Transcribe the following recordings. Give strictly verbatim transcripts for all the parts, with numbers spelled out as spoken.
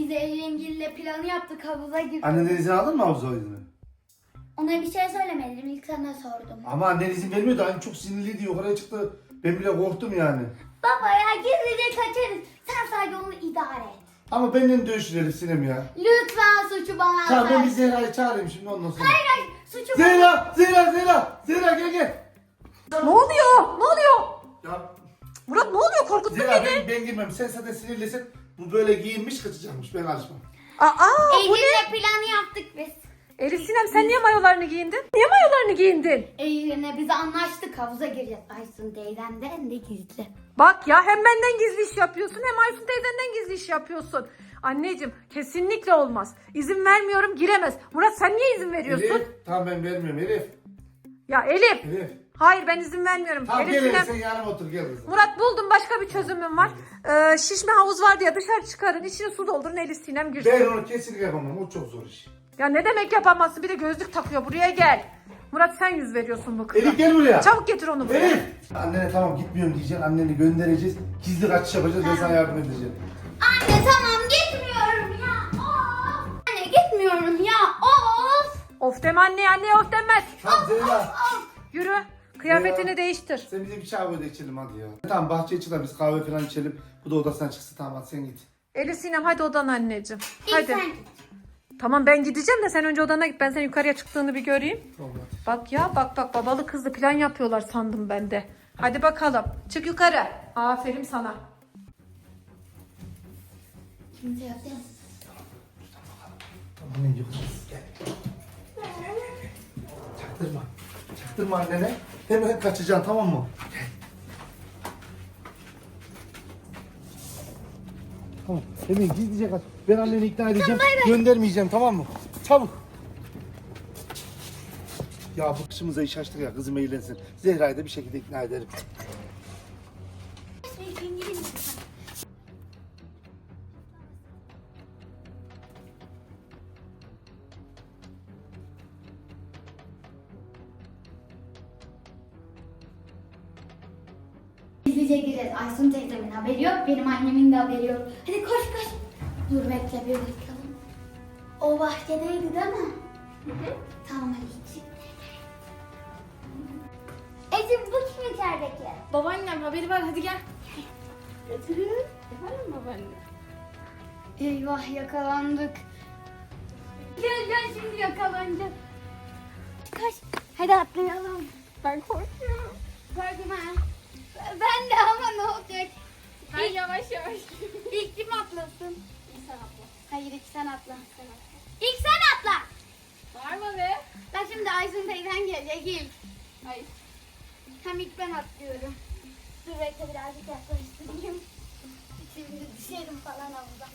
Biz Eylül'le planı yaptık, havuza girdik. Annenden izin aldın mı havuza izni? Ona bir şey söylemedim, ilk sana sordum. Ama annen izin vermiyordu. Annem çok sinirliydi. Yukarıya çıktı. Ben bile korktum yani. Baba ya gizlice kaçarız. Sen sadece onu idare et. Ama benimle dövüştürelim Sinem ya. Lütfen suçu bana at. Tamam ben bir Zehra'yı çağırayım şimdi ondan sonra. Hayır hayır suçu bana. Zehra! Zehra! Zehra! Zehra gel gel. Ne oluyor? Ne oluyor? Ya Murat ne oluyor? Korkuttun Zehra beni. ben, ben girmem. Sen zaten sinirlisin. Bu böyle giyinmiş kaçacakmış. Ben karışmam. Aa, bu ne? Eylül'le planı yaptık biz. Elif Sinem sen niye mayolarını giyindin? Niye mayolarını giyindin? Eylül'le biz anlaştık, havuza gireceğiz. Aysun teyzemden de gizli. Bak ya hem benden gizli iş yapıyorsun hem Aysun teyzenden gizli iş yapıyorsun. Anneciğim kesinlikle olmaz. İzin vermiyorum, giremez. Murat sen niye izin veriyorsun? Elif. Tamam ben vermiyorum Elif. Ya Elif. Elif. Hayır ben izin vermiyorum. Tamam Elif gel Elif Sinem. sen yanıma otur gel kızım. Murat buldum başka bir çözümüm var. Ee, şişme havuz var diye dışarı çıkarın. İçine su doldurun Elif Sinem girsin. Ben onu kesinlikle yapamam. O çok zor iş. Ya ne demek yapamazsın? Bir de gözlük takıyor. Buraya gel. Murat sen yüz veriyorsun bu kıza. Elif gel buraya. Çabuk getir onu buraya. Elif. Annene tamam gitmiyorum diyeceksin. Anneni göndereceğiz. Gizli kaçış yapacağız. Ben sana yardım edeceğim. Anne tamam gitmiyorum ya. Of. Anne gitmiyorum ya. Of. Of deme anne anne of demez. Tamam Zehra. Yürü. Kıyafetini Ya. değiştir. Sen bize bir çay koy da içelim hadi ya. Tamam bahçeye çıkalım biz kahve falan içelim. Bu da odasından çıksın tamam hadi sen git. Elif Sinem hadi odana anneciğim. İlk Hadi. sen git. Tamam ben gideceğim de sen önce odana git. Ben senin yukarıya çıktığını bir göreyim. Tamam hadi. Bak ya bak bak babalı kızlı plan yapıyorlar sandım ben de. Hadi bakalım. Çık yukarı. Aferin sana. Kimse yok değil mi? Tamam annen yok. Gel. Çaktırma. Çaktırma annene. Hemen kaçacaksın tamam mı? Gel. Tamam. Hemen gizlice kaç. Ben anneni ikna edeceğim. Göndermeyeceğim tamam mı? Çabuk. Ya bu kışımıza iş açtık ya kızım eğlensin. Zehra'yı da bir şekilde ikna ederim. Gizlice gireceğiz. Aysun teyzemin haberi yok, benim annemin de haberi yok. Hadi koş koş. Dur bekle bir bakalım. O bahçedeydi değil mi? Hı hı. Tamam hadi çık. Ece bu kim içerideki? Babaannem haberi var hadi gel. Getirin. Efendim babaanne? Eyvah yakalandık. Gel gel şimdi yakalanacağız. Koş. Hadi atlayalım. Ben korkuyorum. Korkma. Ben de ama ne olacak? Ben yavaş yavaş. İlk kim atlasın? İyi sen atla. Hayır ilk sen atla. Sen atla. İlk sen atla. Bağırma be. Ben şimdi Aysun teyzen gelecek ilk. Hayır. Hem ilk ben atlıyorum. Dur bekle birazcık yaklaştırayım. Şimdi düşerim falan havuza.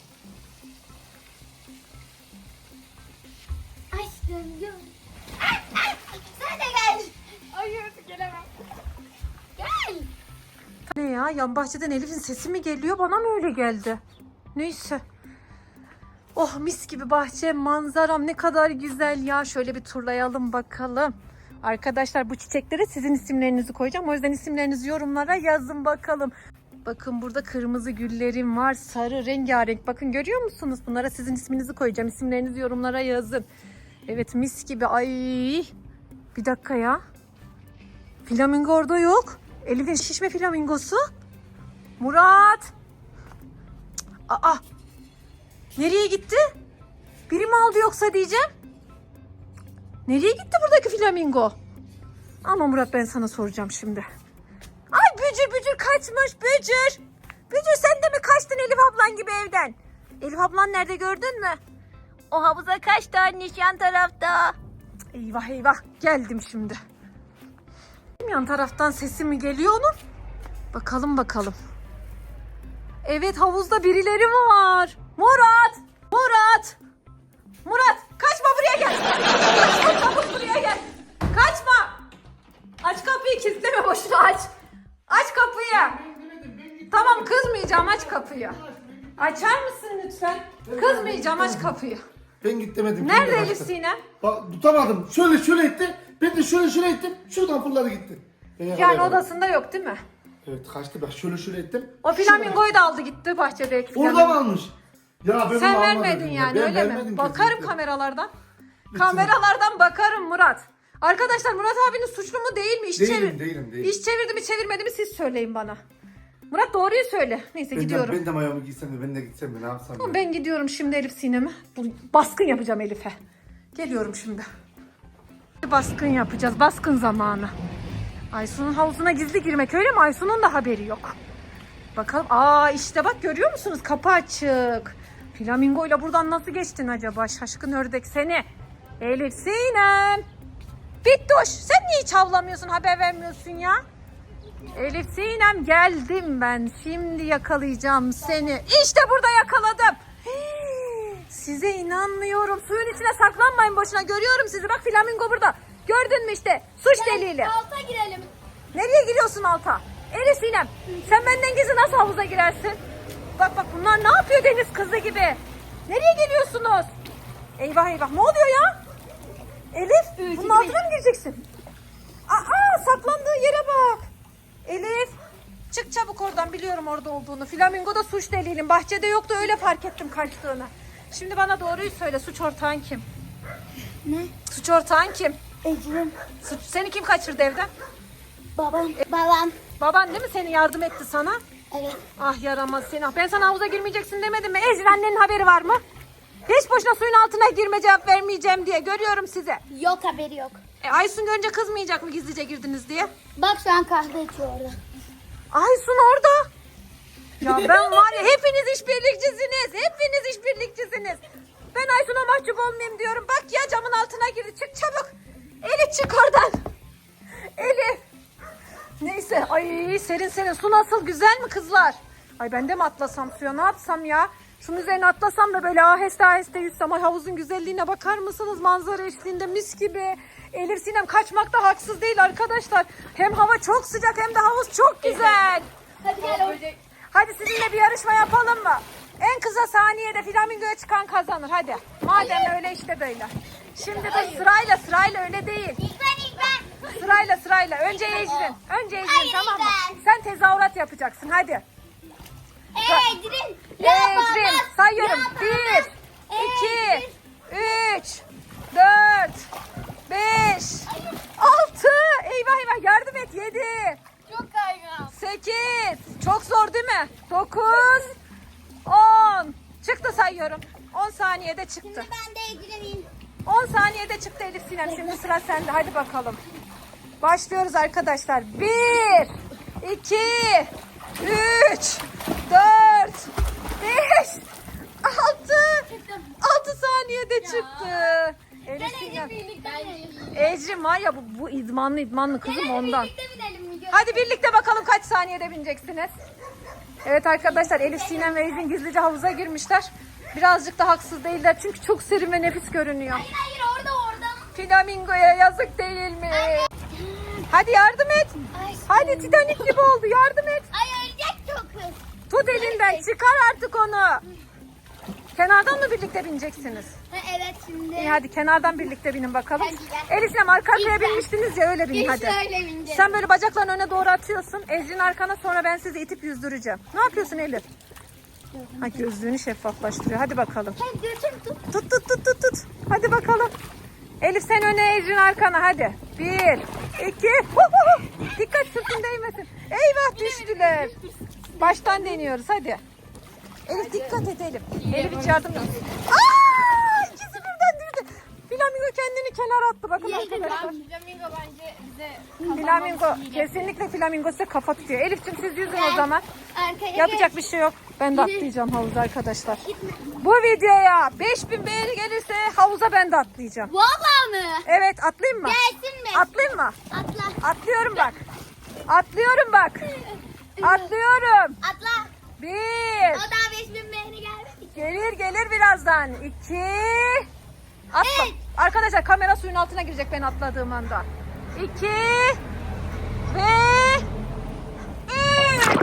Aşkım dur. Ay, ay, sen de gel. Hayır gelemem. Gel. Ne ya? Yan bahçeden Elif'in sesi mi geliyor? Bana mı öyle geldi? Neyse. Oh mis gibi bahçe manzaram ne kadar güzel ya. Şöyle bir turlayalım bakalım. Arkadaşlar bu çiçeklere sizin isimlerinizi koyacağım. O yüzden isimlerinizi yorumlara yazın bakalım. Bakın burada kırmızı güllerim var. Sarı rengarenk. Bakın görüyor musunuz? Bunlara sizin isminizi koyacağım. İsimlerinizi yorumlara yazın. Evet mis gibi. Ay. Bir dakika ya. Flamingo orada yok. Elif'in şişme flamingosu. Murat. Cık, Aa. Nereye gitti? Biri mi aldı yoksa diyeceğim. Nereye gitti buradaki flamingo? Ama Murat ben sana soracağım şimdi. Ay Bücür Bücür kaçmış Bücür. Bücür sen de mi kaçtın Elif ablan gibi evden? Elif ablan nerede gördün mü? O havuza kaçtı anneş yan tarafta. Cık, Eyvah eyvah geldim şimdi. Yan taraftan sesi mi geliyor onun? Bakalım bakalım. Evet havuzda birileri var. Murat! Murat! Murat kaçma buraya gel. Kaçma çabuk buraya gel. Kaçma. Aç kapıyı kilitleme boşuna aç. Aç kapıyı. Tamam kızmayacağım aç kapıyı. Açar mısın lütfen? Kızmayacağım aç kapıyı. Ben git demedim. Nerede kendi Elif kaçtı. Sinem? Bak tutamadım. Şöyle şöyle etti. Ben de şöyle şöyle ettim. Şuradan fırladı gitti. Ben Yani yakalayamadım. odasında yok değil mi? Evet kaçtı bak şöyle şöyle ettim. O flamingoyu da aldı gitti bahçedeki Orada flamingo. mı almış? Ya ben Sen onu vermedin almadım ya. yani Ben öyle vermedim mi? Bakarım kesinlikle. kameralardan. Kameralardan bakarım Murat. Arkadaşlar Murat abinin suçlu mu değil mi? İş Değilim, çevir- değilim, değilim. İş çevirdi mi çevirmedi mi siz söyleyin bana. Murat doğruyu söyle. Neyse Ben gidiyorum. de, ben de mayomu giysem de ben de gitsem de ne yapsam ya. Ben gidiyorum şimdi Elif Sinem'e. Bu baskın yapacağım Elif'e. Geliyorum şimdi. Baskın yapacağız. Baskın zamanı. Aysun'un havuzuna gizli girmek öyle mi? Aysun'un da haberi yok. Bakalım. Aa işte bak görüyor musunuz? Kapı açık. Flamingo ile buradan nasıl geçtin acaba? Şaşkın ördek seni. Elif Sinem. Bittoş sen niye hiç havlamıyorsun, haber vermiyorsun ya? Elif Sinem geldim ben. Şimdi yakalayacağım seni. İşte burada yakaladım. Hii, size inanmıyorum. Suyun içine saklanmayın boşuna. Görüyorum sizi. Bak flamingo burada. Gördün mü işte? Suç delili. Alta girelim. Nereye giriyorsun alta? Elif Sinem sen benden gizli nasıl havuza girersin? Bak bak bunlar ne yapıyor deniz kızı gibi? Nereye geliyorsunuz? Eyvah eyvah ne oluyor ya? Elif bunun altına mı gireceksin? Aa saklandığı yere bak. Elif çık çabuk oradan, biliyorum orada olduğunu. Flamingo da suç delilin. Bahçede yoktu, öyle fark ettim kaçtığını. Şimdi bana doğruyu söyle, suç ortağın kim? Ne? Suç ortağın kim? Ecrin. Suç, seni kim kaçırdı evden? Babam. Babam. Baban değil mi seni yardım etti sana? Evet. Ah yaramaz seni. Ah, ben sana havuza girmeyeceksin demedim mi? Ecrin annenin haberi var mı? Hiç boşuna suyun altına girme, cevap vermeyeceğim diye. Görüyorum size. Yok haberi yok. E, Aysun görünce kızmayacak mı gizlice girdiniz diye? Bak şu an kahve içiyor orada. Aysun orada. Ya ben var ya, hepiniz işbirlikçisiniz. Hepiniz işbirlikçisiniz. Ben Aysun'a mahcup olmayayım diyorum. Bak ya camın altına girdi. Çık çabuk. Elif çık oradan. Elif. Neyse. Ay serin serin. Su nasıl, güzel mi kızlar? Ay ben de mi atlasam suya, ne yapsam ya? Şunun üzerine atlasam da böyle aheste aheste yüzsem. Ay havuzun güzelliğine bakar mısınız? Manzara eşliğinde mis gibi. Elif Sinem kaçmak da haksız değil arkadaşlar. Hem hava çok sıcak hem de havuz çok güzel. Hadi gel orada. Hadi sizinle bir yarışma yapalım mı? En kısa saniyede flamingoya çıkan kazanır. Hadi. Madem öyle işte böyle. Şimdi de sırayla sırayla, öyle değil. İlk ben ilk ben. Sırayla sırayla. Önce Ecrin. Önce Ecrin, Hayır, tamam mı? ben. Sen tezahürat yapacaksın hadi. Ecrin. Ecrin sayıyorum. Bir, iki, üç, dört, beş, altı. Eyvah eyvah yardım et. Yedi, Çok kaygan. sekiz. Çok zor değil mi? Dokuz, on. Çıktı sayıyorum. On saniyede çıktı. Şimdi ben de Ecrin'in. on saniyede çıktı Elif Sinem. Şimdi sıra sende. Hadi bakalım. Başlıyoruz arkadaşlar. Bir, iki, üç, dört, beş, altı. Altı saniyede çıktı. Elif Sinem. Ecrin var ya, bu, bu idmanlı idmanlı kızım ondan. Birlikte binelim mi? Hadi birlikte bakalım kaç saniyede bineceksiniz. Evet arkadaşlar, Elif Sinem ve Ecrin gizlice havuza girmişler. Birazcık da haksız değiller çünkü çok serin ve nefis görünüyor. Hayır hayır orada orada. Flamingoya yazık değil mi? Hadi yardım et. Ay, Hadi Titanic gibi oldu, yardım et. ay ölecek çok hız. Tut elinden, çıkar artık onu. Kenardan mı birlikte bineceksiniz? Ha, evet şimdi. İyi hadi kenardan birlikte binin bakalım. Hadi gel. Elif Sinem arka arkaya İlk ben. binmiştiniz ya, öyle binin İlk hadi. şöyle bineceğim. Sen böyle bacaklarını öne doğru atıyorsun. Ecrin arkana, sonra ben sizi itip yüzdüreceğim. Ne yapıyorsun Elif? Ha, gözlüğünü şeffaflaştırıyor. Hadi bakalım. Sen götür tut. Tut tut tut tut tut. Hadi bakalım. Elif sen öne, Ecrin arkana hadi. Bir, iki. Hu hu hu. Dikkat sırtın değmesin. Eyvah düştüler. Baştan deniyoruz hadi. Elif dikkat et Elif. Elif hiç yardım yok. Aa, ikisi birden düştü. Flamingo kendini kenara attı. Bakın arkadaşlar. Flamingo bence bize Flamingo, kesinlikle flamingo size kafa tutuyor. Elif'cim siz yüzün o zaman. Arkaya Yapacak bir şey yok. Ben de atlayacağım havuza arkadaşlar. Bu videoya beş bin beğeni gelirse havuza ben de atlayacağım. Vallahi mı? Evet, atlayayım mı? Gelsin mi? Atlayayım mı? Atla. Atlıyorum bak. Atlıyorum bak. Atlıyorum. Atla. Bir. O daha beş bin beğeni gelmedi. Gelir gelir birazdan. İki. Atla. Evet. Arkadaşlar kamera suyun altına girecek ben atladığım anda. İki. Ve. Üç.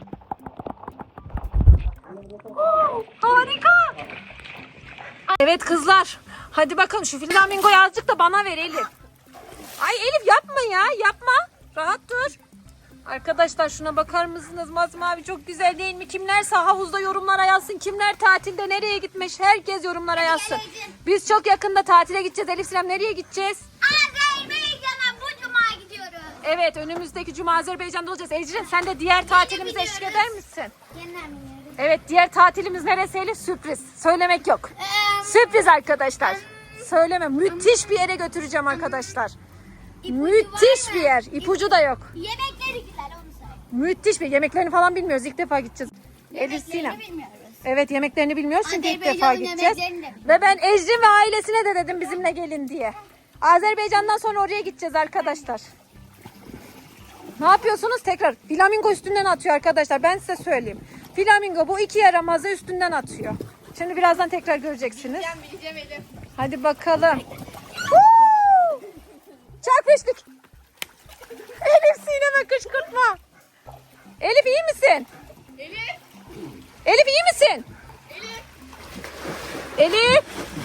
Harika. Evet kızlar. Hadi bakalım şu flamingoyu azıcık da bana ver Elif. Ay Elif yapma ya, yapma. Rahat dur. Arkadaşlar şuna bakar mısınız? Masmavi çok güzel değil mi? Kimlerse havuzda yorumlara yazsın. Kimler tatilde nereye gitmiş? Herkes yorumlara yazsın. Biz çok yakında tatile gideceğiz. Elif Sinem nereye gideceğiz? Azerbaycan'a bu cuma gidiyoruz. Evet önümüzdeki cuma Azerbaycan'da olacağız. Ecrin sen de diğer tatilimize eşlik eder misin? Yeniden biniyoruz. Evet diğer tatilimiz neresi Elif? Sürpriz. Söylemek yok. Ee, Sürpriz arkadaşlar. Söyleme. Müthiş bir yere götüreceğim arkadaşlar. Müthiş bir yer. İpucu da yok. Yemekleri güzel onu söyle. Müthiş bir yemeklerini falan bilmiyoruz. İlk defa gideceğiz. Elif Sinem. Yemeklerini bilmiyoruz. Evet yemeklerini bilmiyoruz çünkü ilk defa Azerbaycan'ın gideceğiz. yemeklerini de bilmiyoruz. Ve ben Ecrin ve ailesine de dedim bizimle gelin diye. Azerbaycan'dan sonra oraya gideceğiz arkadaşlar. Ne yapıyorsunuz? Tekrar flamingo üstünden atıyor arkadaşlar. Ben size söyleyeyim. Flamingo bu iki yaramazı üstünden atıyor. Şimdi birazdan tekrar göreceksiniz. Ben bileceğim Elif. Hadi bakalım. Woo! Çarpıştık. Elif Sinem'e kışkırtma. Elif iyi misin? Elif. Elif iyi misin? Elif. Elif.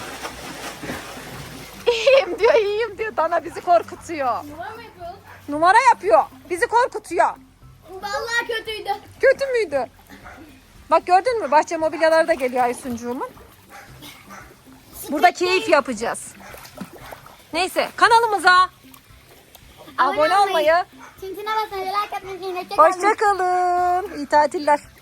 İyiyim diyor, iyiyim diyor. Dana bizi korkutuyor. Numara mı yapıyoruz? Numara yapıyor. Bizi korkutuyor. Vallahi kötüydü. Kötü müydü? Bak gördün mü? Bahçe mobilyaları da geliyor Aysuncuğumun. Burada keyif yapacağız. Neyse kanalımıza abone olmayı, Tintine basmayı, like atmayı, unutmayın. hoşça kalın. İyi tatiller.